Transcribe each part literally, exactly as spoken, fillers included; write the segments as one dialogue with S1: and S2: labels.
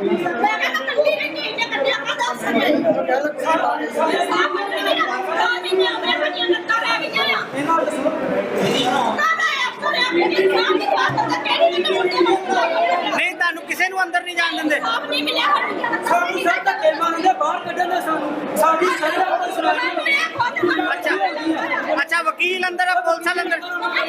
S1: नहीं तानू किसी नू अंदर नहीं जान देंदे अच्छा अच्छा वकील अंदर है पुलिस वाले अंदर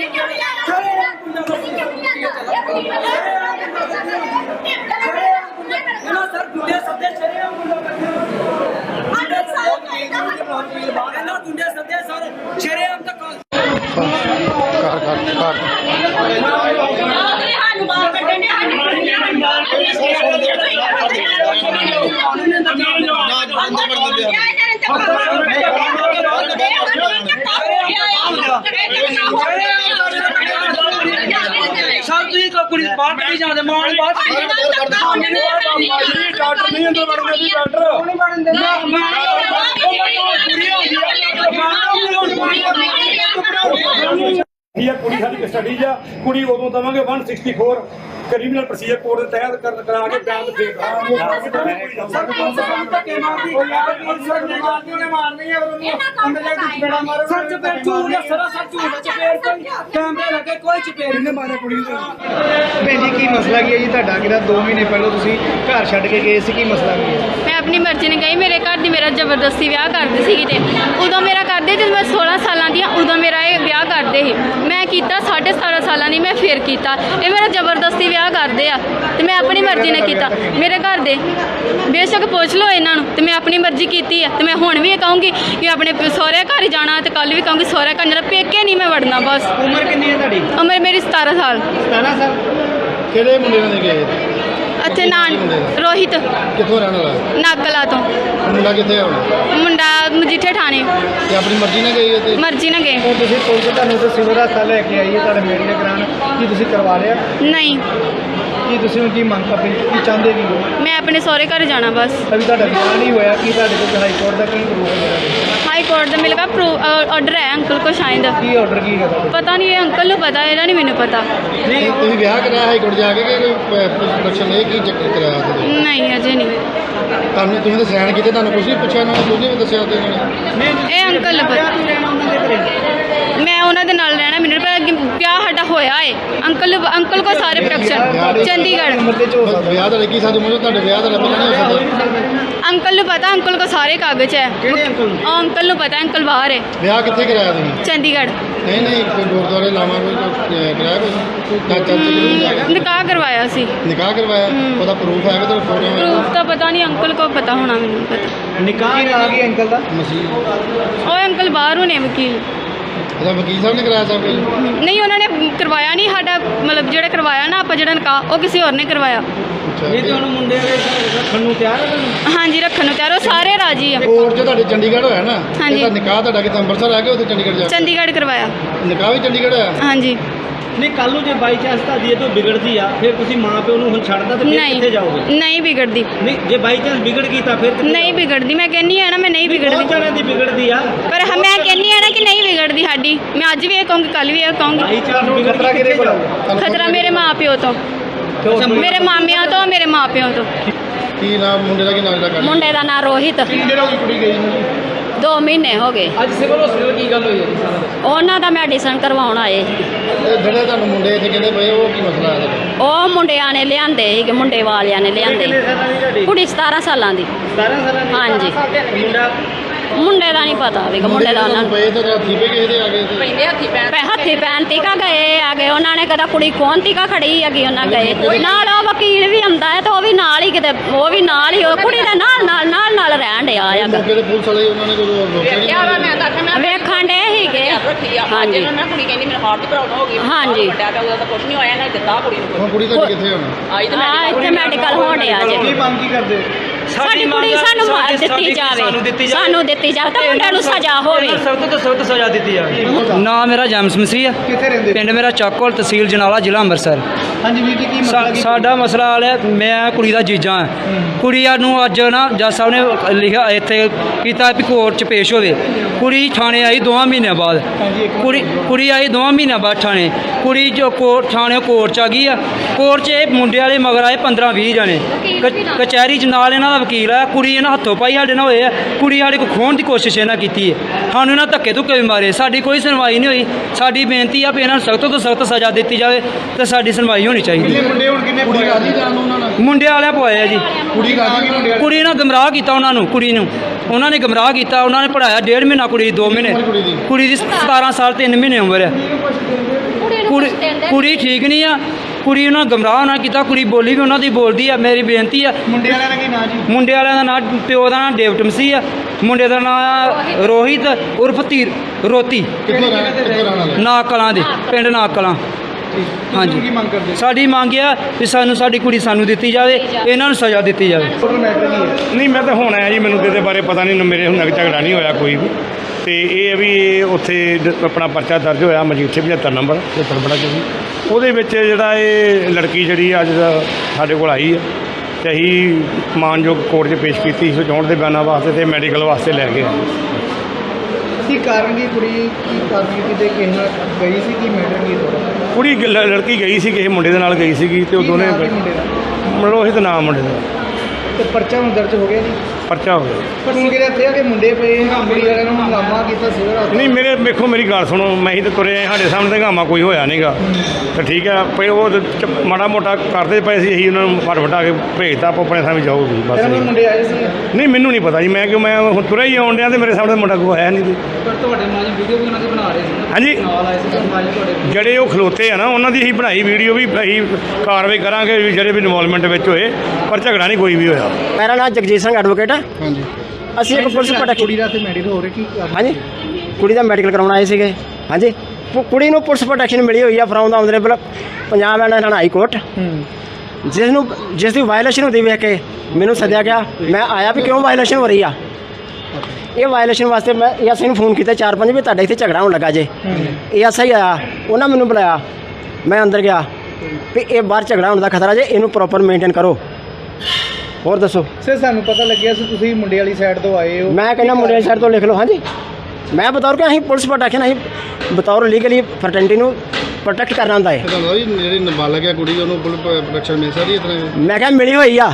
S2: सर तुझे कुड़ी बाहर कहीं जाते मां ने बात डॉक्टर नहीं अंदर बढ़ने दी डॉक्टर ये कुड़ी साडी कस्टडी जा कुड़ी उदों दवांगे one sixty four criminal procedure code के तहत कर करा के बयान दे सर कौन सा काम तक के मारदी सर ने मारदी ने मारनी है और अंदर जाके चपेड़ा मारो सर चपेड़ झूठ है सर सर झूठ चपेड़ कोई कैमरे लगे कोई चपेड़ ने मारे कुड़ी ने
S3: ਭੈਣ ਜੀ ਕੀ ਮਸਲਾ ਕੀ ਹੈ ਜੀ ਤੁਹਾਡਾ ਕਿਹੜਾ ਦੋ ਮਹੀਨੇ ਪਹਿਲਾਂ ਤੁਸੀਂ ਘਰ ਛੱਡ ਕੇ ਗਏ ਸੀ ਕੀ ਮਸਲਾ ਕੀ ਹੈ
S4: ਮੈਂ ਆਪਣੀ ਮਰਜ਼ੀ ਨਾਲ ਗਈ ਮੇਰੇ ਘਰ ਦੀ ਮੇਰਾ ਜ਼ਬਰਦਸਤੀ ਵਿਆਹ ਕਰਦੇ ਸੀਗੇ ਤੇ ਉਦੋਂ ਮੇਰਾ ਕਰਦੇ ਜਦੋਂ ਮੈਂ ਸੋਲਾਂ ਸਾਲਾਂ ਦੀ ਉਦੋਂ ਮੇਰਾ ਇਹ ਵਿਆਹ ਕਰਦੇ ਸੀ ਮੈਂ ਕੀਤਾ ਸਾਢੇ ਸਤਾਰਾਂ ਸਾਲਾਂ ਦੀ ਮੈਂ ਫਿਰ ਕੀਤਾ ਇਹ ਮੇਰਾ ਜ਼ਬਰਦਸਤੀ ਵਿਆਹ ਕਰਦੇ ਆ ਤੇ ਮੈਂ ਆਪਣੀ ਮਰਜ਼ੀ ਨਾਲ ਕੀਤਾ ਮੇਰੇ ਘਰ ਦੇ ਬੇਸ਼ੱਕ ਪੁੱਛ ਲਓ ਇਹਨਾਂ ਨੂੰ ਤੇ ਮੈਂ ਆਪਣੀ ਮਰਜ਼ੀ ਕੀਤੀ ਆ ਤੇ ਮੈਂ ਹੁਣ ਵੀ ਇਹ ਕਹੂੰਗੀ ਕਿ ਆਪਣੇ ਸਹੁਰੇ ਘਰ ਜਾਣਾ ਤੇ ਕੱਲ ਵੀ ਕਹੂੰਗੀ ਸਹੁਰੇ ਘਰ ਜਾਣਾ ਪੇਕੇ ਨਹੀਂ ਮੈਂ ਵੜਨਾ ਬਸ
S3: ਉਮਰ ਕਿੰਨੀ ਹੈ ਤੁਹਾਡੀ
S4: ਉਮਰ ਮੇਰੀ ਸਤਾਰਾਂ ਸਾਲ
S3: ਸਤਾਰਾਂ ਸਾਲ ਕਿਹੜੇ ਮੁੰਡੇ ਨਾਲ ਗਏ
S4: ਅੱਛਾ ਨਾਨ ਰੋਹਿਤ
S3: ਕਿੱਥੋਂ ਰਹਿਣ ਵਾਲਾ
S4: ਨਾਗਲਾ ਤੋਂ
S3: ਮੁੰਡਾ ਕਿੱਥੇ ਆ ਹੁਣ
S4: ਮੁੰਡਾ ਮਜੀਠੇ ਠਾਣੇ
S3: ਤੇ ਆਪਣੀ ਮਰਜ਼ੀ ਨਾਲ ਗਈ ਹੈ ਤੇ
S4: ਮਰਜ਼ੀ ਨਾਲ ਗਏ
S3: ਹੁਣ ਤੁਸੀਂ ਪੁਲਿਸ ਤੁਹਾਨੂੰ ਤੇ ਸਿਵਲ ਹਸਪਤਾਲ ਲੈ ਕੇ ਆਈ ਹੈ ਤੁਹਾਡੇ ਮੈਡੀਕਲ ਕਰਾਉਣ ਕੀ ਤੁਸੀਂ ਕਰਵਾ ਲਿਆ
S4: ਨਹੀਂ
S3: ਕੀ ਤੁਸੀਂ ਹੁਣ ਕੀ ਮੰਗ ਕਰਦੇ ਕੀ ਚਾਹੁੰਦੇ ਕੀ ਹੋ
S4: ਮੈਂ ਆਪਣੇ ਸਹੁਰੇ ਘਰ ਜਾਣਾ ਬਸ
S3: ਅਭੀ ਤੁਹਾਡਾ ਵਿਆਹ ਨਹੀਂ ਹੋਇਆ ਕੀ ਤੁਹਾਡੇ ਕੋਲ ਹਾਈ ਕੋਰਟ ਦਾ ਕੀ ਪ੍ਰੂਫ ਹੈ
S4: ਹਾਈ ਕੋਰਟ ਦਾ ਮੇਰੇ ਕੋਲ ਆਰਡਰ ਹੈ ਅੰਕਲ ਕੋ ਸ਼ਾਇਦ
S3: ਕੀ ਆਰਡਰ ਕੀ ਹੈ ਤੁਹਾਡਾ
S4: ਪਤਾ ਨਹੀਂ ਇਹ ਅੰਕਲ ਨੂੰ ਪਤਾ ਇਹਦਾ ਨਹੀਂ ਮੈਨੂੰ ਪਤਾ
S3: ਨਹੀਂ ਤੁਸੀਂ ਵਿਆਹ ਕਰਾਇਆ ਹਾਈ ਕੋਰਟ ਜਾ ਕੇ ਕਿ ਕੋਈ ਪ੍ਰੋਡਕਸ਼ਨ ਨਹੀਂ ਕੀ ਚੱਕਰ ਕਰਾਇਆ ਤੁਸੀਂ
S4: ਨਹੀਂ ਅਜੇ ਨਹੀਂ
S3: ਤੁਹਾਨੂੰ ਤੁਸੀਂ ਤਾਂ ਸੈਨ ਕੀਤੇ ਤੁਹਾਨੂੰ ਕੁਝ ਨਹੀਂ ਪੁੱਛਿਆ ਨਾ ਕੁਝ ਨਹੀਂ ਦੱਸਿਆ ਤੇ
S4: ਇਹ ਅੰਕਲ ਨੂੰ ਪਤਾ ਮੈਂ ਉਹਨਾਂ ਦੇ ਨਾਲ ਰਹਿਣਾ ਮੈਨੂੰ ਪਤਾ ਵਿਆਹ ਸਾਡਾ ਹੋਇਆ ਏ ਅੰਕਲ ਅੰਕਲ ਕੋ ਸਾਰੇ ਪ੍ਰੋਡਕਸ਼ਨ ਚੰਡੀਗੜ੍ਹ
S3: ਵਿਆਹ ਦਾ ਕੀ ਸਾਜੂ ਮੈਨੂੰ ਤੁਹਾਡੇ ਵਿਆਹ ਦਾ ਪਤਾ ਨਹੀਂ ਹੋ ਸਕਦਾ
S4: ਅੰਕਲ ਨੂੰ ਪਤਾ ਅੰਕਲ ਕੋ ਸਾਰੇ ਕਾਗਜ਼ ਹੈ
S3: ਕਿਹੜੇ ਅੰਕਲ ਨੂੰ
S4: ਉਹ ਅੰਕਲ ਨੂੰ ਪਤਾ ਅੰਕਲ ਬਾਹਰ ਹੈ
S3: ਵਿਆਹ ਕਿੱਥੇ ਕਰਾਇਆ ਤੁਸੀਂ
S4: ਚੰਡੀਗੜ੍ਹ
S3: ਨਹੀਂ ਨਹੀਂ ਕੋਈ ਗੁਰਦੁਆਰੇ ਲਾਵਾਂ ਕੋਈ ਕਰਾਇਆ ਕੋਈ ਚਾਚਾ ਜੀ
S4: ਨਿਕਾਹ ਕਰਵਾਇਆ ਸੀ
S3: ਨਿਕਾਹ ਕਰਵਾਇਆ ਉਹਦਾ ਪ੍ਰੂਫ ਹੈ ਕਿ ਤੇਰੇ ਫੋਟੋ
S4: ਪ੍ਰੂਫ ਤਾਂ ਪਤਾ ਨਹੀਂ ਅੰਕਲ ਕੋ ਪਤਾ ਹੋਣਾ ਮੈਨੂੰ ਪਤਾ
S3: ਨਿਕਾਹ ਕੀ ਨਾਂ ਕੀ ਅੰਕਲ ਦਾ ਮਸੀਹ
S4: ਉਹ ਅੰਕਲ ਬਾਹਰ ਹੋਣੇ ਵਕੀਲ
S3: ਉਹਦਾ ਵਕੀਲ ਸਾਹਿਬ ਨੇ ਕਰਾਇਆ ਸਭ ਕੁਝ
S4: ਨਹੀਂ ਉਹਨਾਂ ਨੇ ਕਰਵਾਇਆ ਨਹੀਂ ਸਾਡਾ ਮਤਲਬ ਜਿਹੜਾ ਕਰਵਾਇਆ ਨਾ ਆਪਾਂ ਜਿਹੜਾ ਨਿਕਾਹ ਉਹ ਕਿਸੇ ਹੋਰ ਨੇ ਕਰਵਾਇਆ
S3: ਇਹ ਤੇ ਹੁਣ ਮੁੰਡੇ ਰੱਖਣ ਨੂੰ ਤਿਆਰ ਹੈ
S4: ਹਾਂਜੀ ਰੱਖਣ ਨੂੰ ਤਿਆਰ ਉਹ ਸਾਰੇ ਰਾਜੀ ਆ
S3: ਕੋਰਟ 'ਚ ਤੁਹਾਡੇ ਚੰਡੀਗੜ੍ਹ ਹੋਇਆ ਨਾ
S4: ਹਾਂਜੀ।
S3: ਇਹਦਾ ਨਿਕਾਹ ਤੁਹਾਡਾ ਕਿਤੇ ਅੰਮ੍ਰਿਤਸਰ ਆ ਕੇ ਉੱਥੇ ਚੰਡੀਗੜ੍ਹ ਜਾ
S4: ਚੰਡੀਗੜ੍ਹ ਕਰਵਾਇਆ
S3: ਨਿਕਾਹ ਵੀ ਚੰਡੀਗੜ੍ਹ ਹੋਇਆ
S4: ਹਾਂਜੀ
S2: ਨਹੀਂ ਕੱਲ ਨੂੰ ਜੇ ਬਾਈ ਚਾਂਸ ਤੁਹਾਡੀ ਇਹ ਤੋਂ ਵਿਗੜਦੀ ਆ ਫਿਰ ਤੁਸੀਂ ਮਾਂ ਪਿਓ ਨੂੰ ਹੁਣ ਛੱਡਦਾ ਤੇ ਫਿਰ ਕਿੱਥੇ
S4: ਨਹੀਂ
S2: ਜਾਓਗੇ
S4: ਨਹੀਂ ਵਿਗੜਦੀ
S2: ਨਹੀਂ ਜੇ ਬਾਈ ਚਾਂਸ ਵਿਗੜ ਗਈ ਤਾਂ ਫਿਰ ਕਿੱਥੇ
S4: ਨਹੀਂ ਵਿਗੜਦੀ ਮੈਂ ਕਹਿੰਨੀ ਆ ਨਾ ਮੈਂ ਨਹੀਂ
S2: ਬਹੁਤ
S4: ਵਿਗੜਦੀ
S2: ਜਣਿਆਂ ਦੀ ਵਿਗੜਦੀ ਆ
S4: ਪਰ ਹਾਂ ਮੈਂ ਕਹਿੰਨੀ ਆ ਨਾ ਕਿ ਨਹੀਂ ਵਿਗੜਦੀ ਸਾਡੀ ਮੈਂ ਅੱਜ ਵੀ ਇਹ ਕਹੂੰਗੀ ਕੱਲ ਵੀ ਇਹ ਕਹੂੰਗੀ
S2: ਬਾਈ ਚਾਂਸ ਵਿਗੜ
S3: ਖਤਰਾ ਕਿਹਦੇ ਕੋਲ ਆਊਗਾ
S4: ਖਤਰਾ ਮੇਰੇ ਮਾਪਿਓ ਤੋਂ ਮੇਰੇ ਮਾਮਿਆਂ ਤੋਂ ਮੇਰੇ ਮਾਪਿਆਂ ਤੋਂ
S3: ਕੀ ਨਾਮ ਮੁੰਡੇ ਦਾ ਕੀ ਨਾਮ ਦਾ
S4: ਮੁੰਡੇ ਦਾ ਨਾਂ ਰੋਹਿਤ
S3: ਕਿੰਨੇ ਰੋਗੀ ਕੁੜੀ ਗਈ ਇਹਨਾਂ ਦੀ
S4: ਦੋ ਮਹੀਨੇ ਹੋ ਗਏ
S2: ਅੱਜ ਸਿਵਲ ਹਸਪੀਟਲ ਕੀ ਗੱਲ ਹੋਈ ਹੈ ਜੀ ਸਾਰਾ
S4: ਉਹਨਾਂ ਦਾ ਮੈਡੀਸਨ ਕਰਵਾਉਣ ਆਏ ਸੀ
S3: ਇਹ ਜਿਹੜੇ ਤੁਹਾਨੂੰ ਮੁੰਡੇ ਇੱਥੇ ਕਹਿੰਦੇ ਪਏ ਉਹ ਕੀ ਮਸਲਾ ਹੈ
S4: ਉਹ ਮੁੰਡਿਆਂ ਨੇ ਲਿਆਂਦੇ ਸੀਗੇ ਮੁੰਡੇ ਵਾਲਿਆਂ ਨੇ
S2: ਕਿੰਨੇ
S4: ਲਿਆਂਦੇ
S2: ਸਾਲਾਂ ਦੀ ਤੁਹਾਡੀ
S4: ਕੁੜੀ ਸਤਾਰਾਂ ਸਾਲਾਂ ਦੀ
S2: ਸਤਾਰਾਂ ਸਾਲਾਂ ਦੀ
S4: ਹਾਂਜੀ।
S2: ਮੁੰਡਾ
S4: ਮੁੰਡੇ ਦਾ ਨਹੀਂ ਪਤਾ ਵੀ ਮੁੰਡੇ ਦਾ ਉਹਨਾਂ ਨੂੰ
S3: ਪਏ ਤਾਂ ਰਾਤੀ ਪਏ ਕਿਸੇ ਦੇ ਆ ਗਏ ਤੇ
S4: ਪੈ ਹੱਥੀ ਪੈਣ ਤੀਕਾ ਗਏ ਆ ਗਏ ਉਹਨਾਂ ਨੇ ਕਦਾ ਕੁੜੀ ਕੋਣ ਤੀਕਾ ਖੜੀ ਹੈਗੀ ਉਹਨਾਂ ਗਏ ਨਾਲ ਉਹ ਵਕੀਲ ਵੀ ਆਉਂਦਾ ਹੈ ਤੇ ਉਹ ਵੀ ਨਾਲ ਹੀ ਕਿਤੇ ਉਹ ਵੀ ਨਾਲ ਹੀ ਉਹ ਕੁੜੀ ਦੇ ਨਾਲ ਨਾਲ ਨਾਲ ਨਾਲ ਰਹਿਣ ਡਿਆ ਆ
S3: ਮੌਕੇ ਤੇ ਪੁਲਿਸ ਵਾਲੇ ਉਹਨਾਂ ਨੇ ਕੋਈ ਰੋਕਿਆ ਨਹੀਂ
S4: ਵੇਖਣ ਡੇ ਹੀਗੇ ਹਾਂਜੀ
S5: ਮੈਂ ਕੁੜੀ ਕਹਿੰਦੀ ਮੈਨੂੰ ਹਾਰਟ ਦੀ ਪ੍ਰੋਬਲਮ ਹੋ ਗਈ
S4: ਹਾਂਜੀ।
S5: ਵੱਡਾ ਪਿਆ ਉਹਦਾ ਤਾਂ ਕੁਝ ਨਹੀਂ ਹੋਇਆ ਨਾ ਦਿੱਤਾ ਕੁੜੀ ਨੂੰ
S3: ਹੁਣ ਕੁੜੀ ਤੁਹਾਡੀ ਕਿੱਥੇ ਹੋਣਾ
S5: ਆਈ ਤਾਂ
S4: ਆ ਇੱਥੇ ਮੈਡੀਕਲ ਹੋਣ ਡਿਆ ਜੇ
S3: ਕੀ ਮੰਗ ਕੀ ਕਰਦੇ
S4: ਸਾਡੀ ਕੁੜੀ ਸਾਨੂੰ ਮਾਰ ਦਿੱਤੀ ਜਾਵੇ ਸਾਨੂੰ ਦਿੱਤੀ ਜਾਵੇ ਤਾਂ ਮੁੰਡਿਆਂ ਨੂੰ ਸਜ਼ਾ ਹੋਵੇ
S6: ਸਖਤ ਤੋਂ ਸਖਤ ਸਜ਼ਾ ਦਿੱਤੀ ਜਾਵੇ। ਨਾਮ ਮੇਰਾ ਜੈਮਸ ਮਸਰੀ ਆ,
S3: ਕਿੱਥੇ ਰਹਿੰਦੇ?
S6: ਪਿੰਡ ਮੇਰਾ ਚੱਕੋਲ, ਤਹਿਸੀਲ ਜਨਾਲਾ, ਜ਼ਿਲ੍ਹਾ ਅੰਮ੍ਰਿਤਸਰ।
S3: ਹਾਂਜੀ ਵੀਰ ਜੀ ਕੀ ਮਸਲਾ
S6: ਸਾ-
S3: ਕੀ?
S6: ਸਾਡਾ ਮਸਲਾ ਹਾਲ ਹੈ, ਮੈਂ ਕੁੜੀ ਦਾ ਜੀਜਾ ਹਾਂ। ਕੁੜੀਆਂ ਨੂੰ ਅੱਜ ਨਾ ਜੱਜ ਸਾਹਿਬ ਨੇ ਲਿਖਿਆ ਇੱਥੇ ਕੀਤਾ ਵੀ ਕੋਰਟ 'ਚ ਪੇਸ਼ ਹੋਵੇ। ਕੁੜੀ ਥਾਣੇ ਆਈ ਦੋਵਾਂ ਮਹੀਨਿਆਂ ਬਾਅਦ। ਕੁੜੀ ਕੁੜੀ ਆਈ ਦੋਵਾਂ ਮਹੀਨਿਆਂ ਬਾਅਦ ਥਾਣੇ। ਕੁੜੀ ਜੋ ਕੋਰਟ ਥਾਣੇ ਕੋਰਟ 'ਚ ਆ ਗਈ ਆ। ਕੋਰਟ 'ਚ ਇਹ ਮੁੰਡੇ ਵਾਲੇ ਮਗਰ ਆਏ ਪੰਦਰਾਂ ਵੀਹ ਜਣੇ। ਕ- ਕਚਹਿਰੀ 'ਚ ਨਾਲ ਇਹਨਾਂ ਦਾ ਵਕੀਲ ਆ। ਕੁੜੀ ਇਹਨਾਂ ਹੱਥੋਂ ਪਾਈ ਸਾਡੇ ਨਾਲ ਹੋਏ ਆ। ਕੁੜੀ ਸਾਡੇ ਕੋਲ ਖੋਹਣ ਦੀ ਕੋਸ਼ਿਸ਼ ਇਹਨਾਂ ਕੀਤੀ ਹੈ। ਸਾਨੂੰ ਇਹਨਾਂ ਧੱਕੇ ਧੁੱਕੇ ਵੀ ਮਾਰੇ। ਸਾਡੀ ਕੋਈ ਸੁਣਵਾਈ ਨਹੀਂ ਹੋਈ। ਸਾਡੀ ਬੇਨਤੀ ਆ ਵੀ ਇਹਨਾਂ ਨੂੰ ਸਖਤ ਤੋਂ ਸਖਤ ਸਜ਼ਾ ਦਿੱਤੀ ਜਾਵੇ ਤੇ ਸਾਡੀ ਸੁਣਵਾਈ ਹੋਣੀ ਚਾਹੀਦੀ ਹੈ।
S3: ਮੁੰਡੇ ਹੁਣ ਕਿੰਨੇ ਕੁੜੀ ਰਾਜੀ ਜਾਣ ਉਹਨਾਂ ਨਾਲ?
S6: ਮੁੰਡੇ ਵਾਲਿਆਂ ਪਵਾਏ ਆ ਜੀ।
S3: ਕੁੜੀ ਰਾਜੀ ਕੀ ਮੁੰਡੇ
S6: ਕੁੜੀ ਨਾਲ ਗਮਰਾਹ ਕੀਤਾ ਉਹਨਾਂ ਨੂੰ। ਕੁੜੀ ਨੂੰ ਉਹਨਾਂ ਨੇ ਗਮਰਾਹ ਕੀਤਾ। ਉਹਨਾਂ ਨੇ ਪੜਾਇਆ ਡੇਢ ਮਹੀਨਾ, ਕੁੜੀ ਦੀ ਦੋ ਮਹੀਨੇ। ਕੁੜੀ ਦੀ ਸਤਾਰਾਂ ਸਾਲ ਤਿੰਨ ਮਹੀਨੇ ਉਮਰ ਹੈ। ਕੁੜੀ ਕੁੜੀ ਠੀਕ ਨਹੀਂ ਆ। ਕੁੜੀ ਉਹਨਾਂ ਗਮਰਾਹ ਨਾ ਕੀਤਾ। ਕੁੜੀ ਬੋਲੀ ਵੀ ਉਹਨਾਂ ਦੀ ਬੋਲਦੀ ਆ। ਮੇਰੀ ਬੇਨਤੀ ਆ,
S3: ਮੁੰਡੇ ਵਾਲਿਆਂ ਦਾ ਕੀ ਨਾਂ ਜੀ?
S6: ਮੁੰਡੇ ਵਾਲਿਆਂ ਦਾ ਨਾਂ ਪਿਓ ਦਾ ਨਾਂ ਡੇਵਿਡ ਮਸੀਹ ਆ। ਮੁੰਡੇ ਦਾ ਨਾਂ ਰੋਹਿਤ ਉਰਫ ਧੀਰ ਰੋਤੀ,
S3: ਕਿੱਥੋਂ ਰਹਿਣ ਕਿੱਥੋਂ ਰਹਿਣ ਵਾਲੇ?
S6: ਨਾਗ ਕਲਾਂ ਦੇ, ਪਿੰਡ ਨਾਗ ਕਲਾਂ। ਹਾਂਜੀ,
S3: ਕੀ ਮੰਗ ਕਰਦੇ?
S6: ਸਾਡੀ ਮੰਗ ਆ ਵੀ ਸਾਨੂੰ ਸਾਡੀ ਕੁੜੀ ਸਾਨੂੰ ਦਿੱਤੀ ਜਾਵੇ, ਇਹਨਾਂ ਨੂੰ ਸਜ਼ਾ ਦਿੱਤੀ ਜਾਵੇ।
S3: ਟੋਟਲ ਮੈਟਰ ਕੀ ਹੈ?
S2: ਨਹੀਂ ਮੈਂ ਤਾਂ ਹੁਣ ਆਇਆ ਜੀ, ਮੈਨੂੰ ਇਹਦੇ ਬਾਰੇ ਪਤਾ ਨਹੀਂ। ਮੇਰੇ ਹੁਣ ਝਗੜਾ ਨਹੀਂ ਹੋਇਆ ਕੋਈ ਵੀ। ਤੇ ਇਹ ਹੈ ਵੀ ਇਹ ਉੱਥੇ ਦ- ਆਪਣਾ ਪਰਚਾ ਦਰਜ ਹੋਇਆ ਮਜੀਠੇ ਪਝੱਤਰ ਨੰਬਰ ਪਝੱਤਰ ਬੜਾ ਚੌਵੀ। ਉਹਦੇ ਵਿੱਚ ਜਿਹੜਾ ਇਹ ਲੜਕੀ ਜਿਹੜੀ ਅੱਜ ਦਾ ਸਾਡੇ ਕੋਲ ਆਈ ਹੈ ਤੇ ਅਸੀਂ ਮਾਨਯੋਗ ਕੋਰਟ 'ਚ ਪੇਸ਼ ਕੀਤੀ ਸੀ ਚੋਣ ਦੇ ਬਿਆਨਾਂ ਵਾਸਤੇ ਤੇ ਮੈਡੀਕਲ ਵਾਸਤੇ ਲੈ ਗਏ।
S3: ਕੀ ਕਾਰਨ ਕੀ ਕੁੜੀ ਕੀ ਕਾਰਨ ਕੀ ਤੇ ਕਿਸੇ ਨਾਲ ਗਈ ਸੀ? ਕੀ ਮੈਟਰ ਕੀ ਥੋੜਾ?
S2: ਕੁੜੀ ਗ- ਲ- ਲੜਕੀ ਗਈ ਸੀ ਕਿਸੇ ਮੁੰਡੇ ਦੇ ਨਾਲ ਗਈ ਸੀਗੀ ਤੇ ਉਹ ਦੋਨੇ
S3: ਮੁੰਡੇ ਦਾ
S2: ਰੋਹਿਤ ਨਾਮ ਮੁੰਡੇ ਦਾ
S3: ਤੇ ਪਰਚਾ ਹੁਣ ਦਰਜ ਹੋ ਗਿਆ ਜੀ।
S2: ਪਰਚਾ ਹੋ ਗਿਆ।
S3: ਪਰ ਹੁਣ ਕਿਹੜੇ ਇੱਥੇ ਆ ਕਿ ਮੁੰਡੇ ਪਏ ਕੁੜੀ ਵਾਲਿਆਂ ਨੂੰ ਹੰਗਾਮਾ ਕੀਤਾ ਸਿਵਲ ਹਸਪਤਾਲ।
S2: ਨਹੀਂ ਮੇਰੇ ਵੇਖੋ ਮੇਰੀ ਗੱਲ ਸੁਣੋ, ਮੈਂ ਹੀ ਤਾਂ ਤੁਰੇ ਆਏ, ਸਾਡੇ ਸਾਹਮਣੇ ਤਾਂ ਹੰਗਾਮਾ ਕੋਈ ਹੋਇਆ ਨਹੀਂਗਾ। ਤਾਂ ਠੀਕ ਹੈ ਪਏ ਉਹ ਤਾਂ ਚ- ਮਾੜਾ ਮੋਟਾ ਕਰਦੇ ਪਏ ਸੀ। ਅਸੀਂ ਉਹਨਾਂ ਨੂੰ ਫੜ ਫਟਾ ਕੇ ਭੇਜਤਾ, ਆਪੋ ਆਪਣੇ ਸਾਹਮਣੇ ਜਾਓ ਤੁਸੀਂ ਬਸ।
S3: ਇਹਨਾਂ ਨੂੰ ਮੁੰਡੇ ਆਏ ਸੀ
S2: ਨਹੀਂ ਮੈਨੂੰ ਨਹੀਂ ਪਤਾ ਜੀ, ਮੈਂ ਕਿਉਂ ਮੈਂ ਹੁਣ ਤੁਰੇ ਹੀ ਆਉਣ ਡਿਆ ਤੇ ਮੇਰੇ ਸਾਹਮਣੇ ਮੁੰਡਾ ਕੋਈ ਆਇਆ ਨਹੀਂ ਜੀ।
S6: ਪਰ ਤੁਹਾਡੇ ਨਾਲ ਵੀਡੀਓ ਵੀ ਉਹਨਾਂ ਦੇ ਬਣਾ ਰਹੇ ਸੀ
S2: ਹਾਂਜੀ
S6: ਨਾਲ ਆਏ ਸੀ ਤੁਹਾਡੇ।
S2: ਜਿਹੜੇ ਉਹ ਖਲੋਤੇ ਆ ਨਾ ਉਹਨਾਂ ਦੀ ਅਸੀਂ ਬਣਾਈ ਵੀਡੀਓ ਵੀ ਅਸੀਂ ਕਾਰਵਾਈ ਕਰਾਂਗੇ ਵੀ ਜਿਹੜੇ ਵੀ ਇਨਵੋਲਵਮੈਂਟ ਵਿੱਚ ਹੋਏ, ਪਰ ਝਗੜਾ ਨਹੀਂ ਕੋਈ ਵੀ ਹੋਇਆ।
S7: ਮੇਰਾ ਨਾਮ ਜਗਜੀਤ ਸਿੰਘ ਐਡਵੋਕੇਟ ਹੈ।
S3: ਹਾਂਜੀ।
S7: ਅਸੀਂ ਇੱਕ ਪੁਲਿਸ ਪ੍ਰੋਟੈਕਸ਼ਨ
S3: ਕੁੜੀ ਦਾ ਤੇ ਮੈਡੀਕਲ ਹੋ ਰਿਹਾ ਕੀ ਕਾਰਨ?
S7: ਹਾਂਜੀ ਕੁੜੀ ਦਾ ਮੈਡੀਕਲ ਕਰਾਉਣ ਆਏ ਸੀਗੇ। ਹਾਂਜੀ ਪੁ- ਕੁੜੀ ਨੂੰ ਪੁਲਿਸ ਪ੍ਰੋਟੈਕਸ਼ਨ ਮਿਲੀ ਹੋਈ ਆ from the honourable Punjab and Haryana high court, ਜਿਸ ਨੂੰ ਜਿਸ ਦੀ ਵਾਇਲੇਸ਼ਨ ਹੁੰਦੀ ਵੇਖ ਕੇ ਮੈਨੂੰ ਸੱਦਿਆ ਗਿਆ। ਮੈਂ ਆਇਆ ਵੀ ਕਿਉਂ ਵਾਇਲੇਸ਼ਨ ਹੋ ਰਹੀ ਆ। ਇਹ ਵਾਇਲੇਸ਼ਨ ਵਾਸਤੇ ਮੈਂ ਏਐਸਆਈ ਨੂੰ ਫੋਨ ਕੀਤਾ ਚਾਰ ਪੰਜ ਵੀ ਤੁਹਾਡੇ ਇੱਥੇ ਝਗੜਾ ਹੋਣ ਲੱਗਾ ਜੇ। ਏਐਸਆਈ ਆਇਆ, ਉਹਨਾਂ ਮੈਨੂੰ ਬੁਲਾਇਆ, ਮੈਂ ਅੰਦਰ ਗਿਆ ਵੀ ਇਹ ਬਾਹਰ ਝਗੜਾ ਹੋਣ ਦਾ ਖਤਰਾ ਜੇ, ਇਹਨੂੰ ਪ੍ਰੋਪਰ ਮੇਨਟੇਨ ਕਰੋ। ਹੋਰ ਦੱਸੋ।
S3: ਸਰ ਸਾਨੂੰ ਪਤਾ ਲੱਗਿਆ ਸੀ ਤੁਸੀਂ ਮੁੰਡੇ ਵਾਲੀ ਸਾਈਡ ਤੋਂ ਆਏ ਹੋ।
S7: ਮੈਂ ਕਹਿੰਦਾ ਮੁੰਡੇ ਦੀ ਸਾਈਡ ਤੋਂ ਲਿਖ ਲਓ। ਹਾਂਜੀ ਮੈਂ ਬਤੌਰ ਕਿ ਅਸੀਂ ਪੁਲਿਸ ਪ੍ਰੋਟੈਕਸ਼ਨ ਅਸੀਂ ਬਤੌਰ ਲੀਗਲੀ ਫਰਟੈਂਟੀ ਨੂੰ ਪ੍ਰੋਟੈਕਟ ਕਰਨਾ ਹੁੰਦਾ ਹੈ।
S8: ਤੁਹਾਨੂੰ ਜੀ ਜਿਹੜੀ ਨਾਬਾਲਗ ਹੈ ਕੁੜੀ ਉਹਨੂੰ ਪੁਲਿਸ ਪ੍ਰੋਟੈਕਸ਼ਨ ਮਿਲ ਸਕਦੀ ਹੈ ਇਸ ਤਰ੍ਹਾਂ?
S7: ਮੈਂ ਕਿਹਾ ਮਿਲੀ ਹੋਈ ਆ,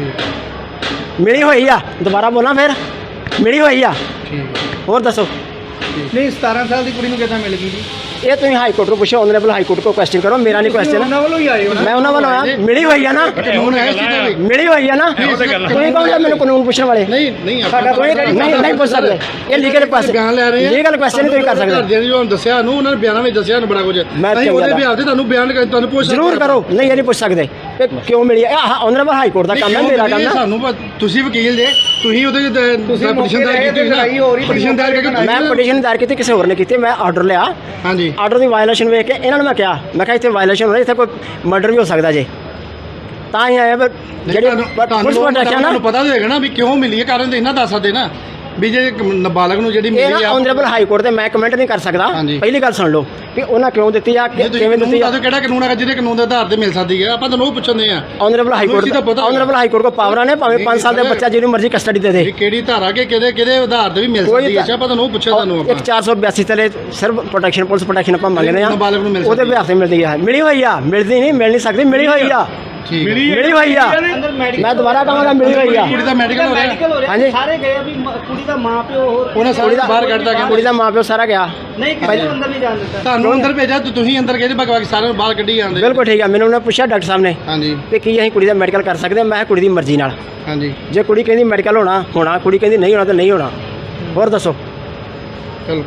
S7: ਮਿਲੀ ਹੋਈ ਆ। ਦੁਬਾਰਾ ਬੋਲਾਂ ਫਿਰ ਮਿਲੀ ਹੋਈ ਆ। ਹੋਰ ਦੱਸੋ।
S3: ਨਹੀਂ ਸਤਾਰਾਂ ਸਾਲ ਦੀ ਕੁੜੀ ਨੂੰ ਕਿੱਦਾਂ ਮਿਲ ਗਈ ਜੀ?
S7: ਇਹ ਤੁਸੀਂ ਹਾਈ ਕੋਰਟ ਨੂੰ ਪੁੱਛੋ, ਆਨਰੇਬਲ ਹਾਈ ਕੋਰਟ ਕੋ ਕੁਐਸਚਨ ਕਰੋ, ਮੇਰਾ ਨਹੀਂ ਕੁਐਸਚਨ।
S3: ਉਹਨਾਂ ਵੱਲੋਂ ਹੀ ਆਏ ਹੋ ਨਾ?
S7: ਮੈਂ ਉਹਨਾਂ ਵੱਲੋਂ ਆਇਆ, ਮਿਲੀ ਹੋਈ ਆ ਨਾ,
S8: ਕਾਨੂੰਨ ਹੈ ਇਸ ਚੀਜ਼ ਦਾ ਵੀ?
S7: ਮਿਲੀ ਹੋਈ ਆ ਨਾ। ਤੁਸੀਂ ਕਹੋ ਜੀ ਮੈਨੂੰ ਕਾਨੂੰਨ ਪੁੱਛਣ ਵਾਲੇ।
S8: ਨਹੀਂ ਨਹੀਂ
S3: ਸਾਡਾ
S7: ਕੋਈ ਨਹੀਂ ਨਹੀਂ ਪੁੱਛ ਸਕਦੇ। ਇਹ ਲੀਗਲ ਕੁਐਸਚਨ
S8: ਬਿਆਨ ਲੈ ਰਹੇ ਆ।
S7: ਲੀਗਲ ਕੁਐਸਚਨ ਨਹੀਂ ਤੁਸੀਂ ਕਰ ਸਕਦੇ।
S8: ਘਰਦਿਆਂ ਨੇ ਜੋ ਦੱਸਿਆ ਨੂੰ ਉਹਨਾਂ ਨੇ ਬਿਆਨਾਂ ਵਿੱਚ ਦੱਸਿਆ ਨੂੰ ਬੜਾ ਕੁਝ।
S7: ਮੈਂ
S8: ਅਸੀਂ ਉਹਦੇ
S7: ਚੰਗਾ
S8: ਬਿਆਨ ਤੇ ਤੁਹਾਨੂੰ ਬਿਆਨ ਕਰ ਤੁਹਾਨੂੰ ਪੁੱਛ
S7: ਜ਼ਰੂਰ ਕਰੋ। ਨਹੀਂ ਇਹ ਨਹੀਂ ਪੁੱਛ ਸਕਦੇ ਕਿ ਕਿਉਂ ਮਿਲੀ ਆ। ਆਨਰੇਬਲ ਹਾਈ ਕੋਰਟ ਦਾ ਕੰਮ ਹੈ, ਮੇਰਾ ਕੰਮ ਹੈ।
S8: ਸਾਨੂੰ ਪ- ਤੁਸੀਂ ਵਕੀਲ ਜੇ ਤੁਸੀਂ ਉਹਦੇ
S3: ਤੁਸੀਂ
S8: ਪਟੀਸ਼ਨ ਦਾਇਰ ਕੀਤੀ ਹੋਈ
S3: ਲੜਾਈ ਹੋ ਰਹੀ,
S8: ਨਾ ਪਟੀਸ਼ਨ ਦਾਇਰ ਕਰਕੇ
S7: ਮੈਂ ਪਟੀਸ਼ਨ ਦਾਇਰ ਕੀਤੀ, ਕਿਸੇ ਹੋਰ ਨੇ ਕੀਤੀ। ਮੈਂ ਆਰਡਰ ਲਿਆ,
S8: ਹਾਂਜੀ
S7: ਆਰਡਰ ਦੀ ਵਾਇਲੇਸ਼ਨ ਵੇਖ ਕੇ ਇਹਨਾਂ ਨੂੰ ਮੈਂ ਕਿਹਾ, ਮੈਂ ਕਿਹਾ ਇੱਥੇ ਵਾਇਲੇਸ਼ਨ ਹੋ ਰਹੀ, ਇੱਥੇ ਕੋਈ ਮਰਡਰ ਵੀ ਹੋ ਸਕਦਾ ਜੇ। ਤਾਂ ਹੀ ਆਇਆ ਪਰ ਜਿਹੜੇ
S8: ਤੁਹਾਨੂੰ
S7: ਪੁਲਿਸ ਪ੍ਰੋਟੈਕਸ਼ਨ ਨਾ
S8: ਤੁਹਾਨੂੰ ਪਤਾ ਤਾਂ ਹੋਏਗਾ ਨਾ ਵੀ ਕਿਉਂ ਮਿਲੀ ਹੈ, ਕਾਰਨ ਤੇ ਇਹਨਾਂ ਦੱਸ ਸਕਦੇ ਨਾ ਵੀ ਜੇ ਇੱਕ ਨਾਬਾਲਗ ਨੂੰ ਜਿਹੜੀ
S7: ਇਹ
S8: ਮਿਲੀ
S7: ਨਾ
S8: ਆ।
S7: ਆਨਰੇਬਲ ਹਾਈ ਕੋਰਟ ਤੇ ਮੈਂ ਕਮੈਂਟ ਨਹੀਂ ਕਰ ਸਕਦਾ।
S8: ਹਾਂਜੀ।
S7: ਪਹਿਲੀ ਗੱਲ ਸੁਣ ਲਓ ਵੀ ਉਹਨਾਂ ਕਿਉਂ ਦਿੱਤੀ ਆ,
S8: ਜੇ ਤੁਸੀਂ
S7: ਕਿਵੇਂ ਦਿੱਤੀ
S8: ਕਾਨੂੰਨ
S7: ਆ।
S8: ਦੱਸੋ ਕਿਹੜਾ ਕਾਨੂੰਨ ਹੈਗਾ ਜਿਹਦੇ ਕਾਨੂੰਨ ਦੇ ਆਧਾਰ ਤੇ ਮਿਲ ਸਕਦੀ ਹੈ? ਆਪਾਂ ਤੁਹਾਨੂੰ ਉਹ ਪੁੱਛਦੇ ਆ
S7: ਆਨਰੇਬਲ ਹਾਈ
S8: ਤੁਹਾਨੂੰ ਇਸ ਚੀਜ਼ ਦਾ
S7: ਕੋਰਟ
S8: ਪਤਾ
S7: ਆਨਰੇਬਲ ਹਾਈ ਕੋਰਟ ਕੋ ਪਾਵਰਾਂ ਨੇ, ਭਾਵੇਂ ਪੰਜ ਸਾਲ ਦਾ ਬੱਚਾ ਜਿਹਨੂੰ ਮਰਜ਼ੀ ਕਸਟਡੀ ਦੇ ਦੇ।
S8: ਵੀ ਕਿਹੜੀ ਧਾਰਾ ਕੇ ਕਿਹਦੇ ਕਿਹਦੇ ਆਧਾਰ ਤੇ ਵੀ ਮਿਲ
S7: ਕੋਈ
S8: ਸਕਦੀ ਹੈ? ਅੱਛਾ ਆਪਾਂ ਤੁਹਾਨੂੰ ਉਹ ਪੁੱਛਿਆ ਤੁਹਾਨੂੰ
S7: ਇੱਕ
S8: ਆਪਾਂ
S7: ਚਾਰ ਸੌ ਬਿਆਸੀ ਤਲੇ ਸਿਰਫ ਪ੍ਰੋਟੈਕਸ਼ਨ ਪੁਲਿਸ ਪ੍ਰੋਟੈਕਸ਼ਨ ਆਪਾਂ ਮੰਗਦੇ ਆ,
S8: ਨਾਬਾਲਗ ਨੂੰ ਮਿਲ
S7: ਉਹਦੇ
S8: ਸਕਦੀ ਹੈ।
S7: ਬਿਹਾਰ ਤੇ ਮਿਲਦੀ ਆ। ਮਿਲੀ ਹੋਈ ਆ, ਮਿਲਦੀ ਨਹੀਂ, ਮਿਲ ਨਹੀਂ ਸਕਦੀ, ਮਿਲੀ ਹੋਈ ਆ,
S8: ਠੀਕ ਹੈ।
S7: ਮਿਲੀ ਹੋਈ ਆ। ਮੈਂ ਦੁਬਾਰਾ ਕਹਾਂਗਾ ਮਿਲੀ ਹੋਈ ਆ।
S8: ਕੁੜੀ ਦਾ ਮੈਡੀਕਲ ਹੋ ਰਿਹਾ
S7: ਹਾਂਜੀ
S3: ਸਾਰੇ ਗਏ ਵੀ ਮ- ਕੁੜੀ ਦਾ ਮਾਂ ਪਿਓ ਹੋਰ
S8: ਉਹਨਾਂ ਸਾਰੇ ਬਾਹਰ ਕੱਢਦਾ ਗਿਆ
S7: ਕੁੜੀ ਦਾ ਮਾਂ ਪਿਓ ਸਾਰਾ ਗਿਆ।
S3: ਨਹੀਂ ਕਿਸੇ ਨੂੰ ਅੰਦਰ ਨਹੀਂ ਜਾਣ ਦਿੱਤਾ।
S8: ਤੁਹਾਨੂੰ ਅੰਦਰ ਭੇਜਿਆ ਤੇ ਤੁਸੀਂ ਅੰਦਰ ਗਏ ਬਾਕੀ ਸਾਰਿਆਂ ਨੂੰ ਬਾਹਰ ਕੱਢੀ ਜਾਂਦੇ
S7: ਬਿਲਕੁਲ ਠੀਕ ਆ। ਮੈਨੂੰ ਉਹਨੇ ਪੁੱਛਿਆ ਡਾਕਟਰ ਸਾਹਿਬ ਨੇ
S8: ਹਾਂਜੀ
S7: ਕਿ ਕੀ ਅਸੀਂ ਕੁੜੀ ਦਾ ਮੈਡੀਕਲ ਕਰ ਸਕਦੇ ਹਾਂ। ਮੈਂ ਕਿਹਾ ਕੁੜੀ ਦੀ ਮਰਜ਼ੀ ਨਾਲ।
S8: ਹਾਂਜੀ
S7: ਜੇ ਕੁੜੀ ਕਹਿੰਦੀ ਮੈਡੀਕਲ ਹੋਣਾ ਹੋਣਾ, ਕੁੜੀ ਕਹਿੰਦੀ ਨਹੀਂ ਹੋਣਾ ਤਾਂ ਨਹੀਂ ਹੋਣਾ। ਹੋਰ ਦੱਸੋ।
S8: ਚਲੋ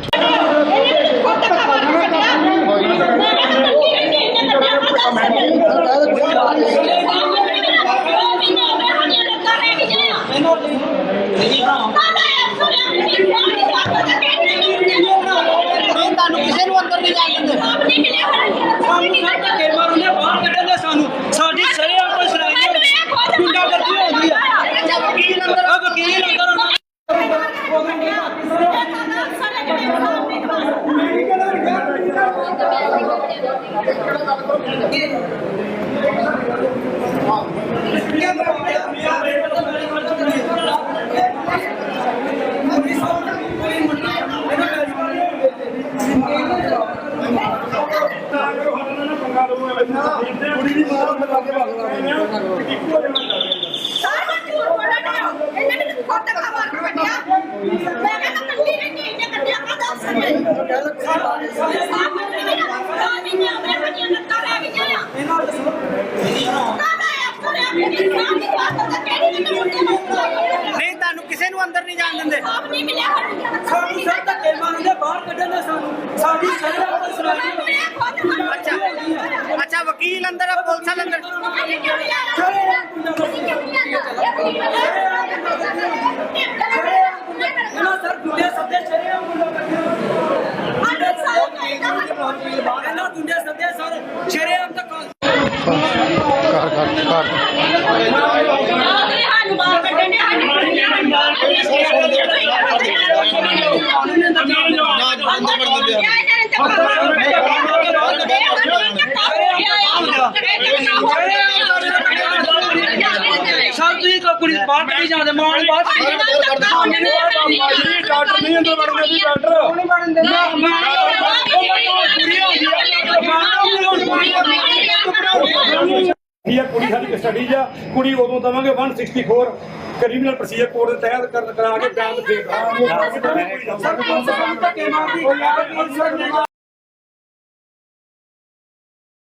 S1: ਤੁਹਾਨੂੰ ਕਿਸੇ ਨੂੰ ਅੰਦਰ ਨਹੀਂ ਜਾਣ ਦਿੰਦੇ।
S6: ਸਾਨੂੰ ਸਾਡੀ ਸਰੇ ਆਪਾਂ ਸਰਾਈ ਗੁੰਡਾ ਕਰਦੀ ਹੁੰਦੀ ਆ।
S1: ਵਕੀਲ
S2: ਕੁੜੀ ਦੀ ਮਾਂ ਨੂੰ ਲਾ ਕੇ ਭਾਗ
S9: ਸਾਰਾ ਝੂਠ ਬੋਲਣਾ ਇਹਨਾਂ ਨੇ ਖੁਦ ਖਬਰ ਕੱਢਿਆ ਮੈਂ ਕਹਿੰਦਾ ਕੱਢੀ ਨਹੀਂ ਇਹਨੇ ਕੱਢਿਆ ਕਦਾ ਸਕੇ ਸਾਹਮਣੇ ਨਹੀਂ ਆ ਨਹੀਂ ਆਪਣੇ ਬੱਚਿਆਂ ਨੂੰ ਤਾਂ ਲੈ ਗਿਆ ਇਹਨਾਂ ਨੂੰ ਦੱਸੋ
S3: ਨਹੀਂ ਤੁਹਾਨੂੰ ਕਿਸੇ ਨੂੰ ਅੰਦਰ ਨਹੀਂ ਜਾਣ ਦਿੰਦੇ
S9: ਨਹੀਂ ਮਿਲਿਆ
S1: ਸਾਨੂੰ ਸਰ ਧੱਕੇ ਮਾਰਦੇ ਬਾਹਰ ਕੱਢਣ ਦੇ ਸਾਨੂੰ ਸਾਡੀ ਸ਼ਰਮ ਤੋਂ ਸੁਣਾਈ
S3: ਅੱਛਾ ਅੱਛਾ ਵਕੀਲ ਅੰਦਰ ਆ ਪੁਲਿਸ ਵਾਲੇ ਅੰਦਰ
S1: ਇਹਨਾਂ ਸਰ ਗੁੰਡੇ ਸੱਦੇ ਸ਼ਰਿਆ ਇਹਨਾਂ ਗੁੰਡੇ ਸੱਦੇ ਸਰ ਸ਼ਰਿਆ ਤੱਕ
S9: ਸਾਨੂੰ ਬਾਹਰ ਕੱਢਣ ਦੇ
S6: ਸਰ ਤੁਸੀਂ ਕੁੜੀ ਬਾਹਰ ਕੱਢੀ ਜਾਂਦੇ ਮਾਂ ਨੂੰ ਬਾਹਰ
S2: ਡਾਕਟਰ ਨਹੀਂ ਅੰਦਰ ਵੜਨ ਦਿੰਦੀ ਡਾਕਟਰ ਨਹੀਂ ਵੜਨ ਇਹ ਕੁੜੀ ਸਾਡੀ ਕਸਟਡੀ 'ਚ ਆ ਕੁੜੀ ਉਦੋਂ ਦਵਾਂਗੇ ਇੱਕ ਸੌ ਚੌਂਸਠ ਕ੍ਰਿਮੀਨਲ ਪ੍ਰੋਸੀਜਰ ਕੋਡ ਦੇ ਤਹਿਤ ਕਰਨ ਕਰਾ ਕੇ ਬਿਆਨ ਦੇ
S1: ਧੱਕੇ ਮਾਰਦੀ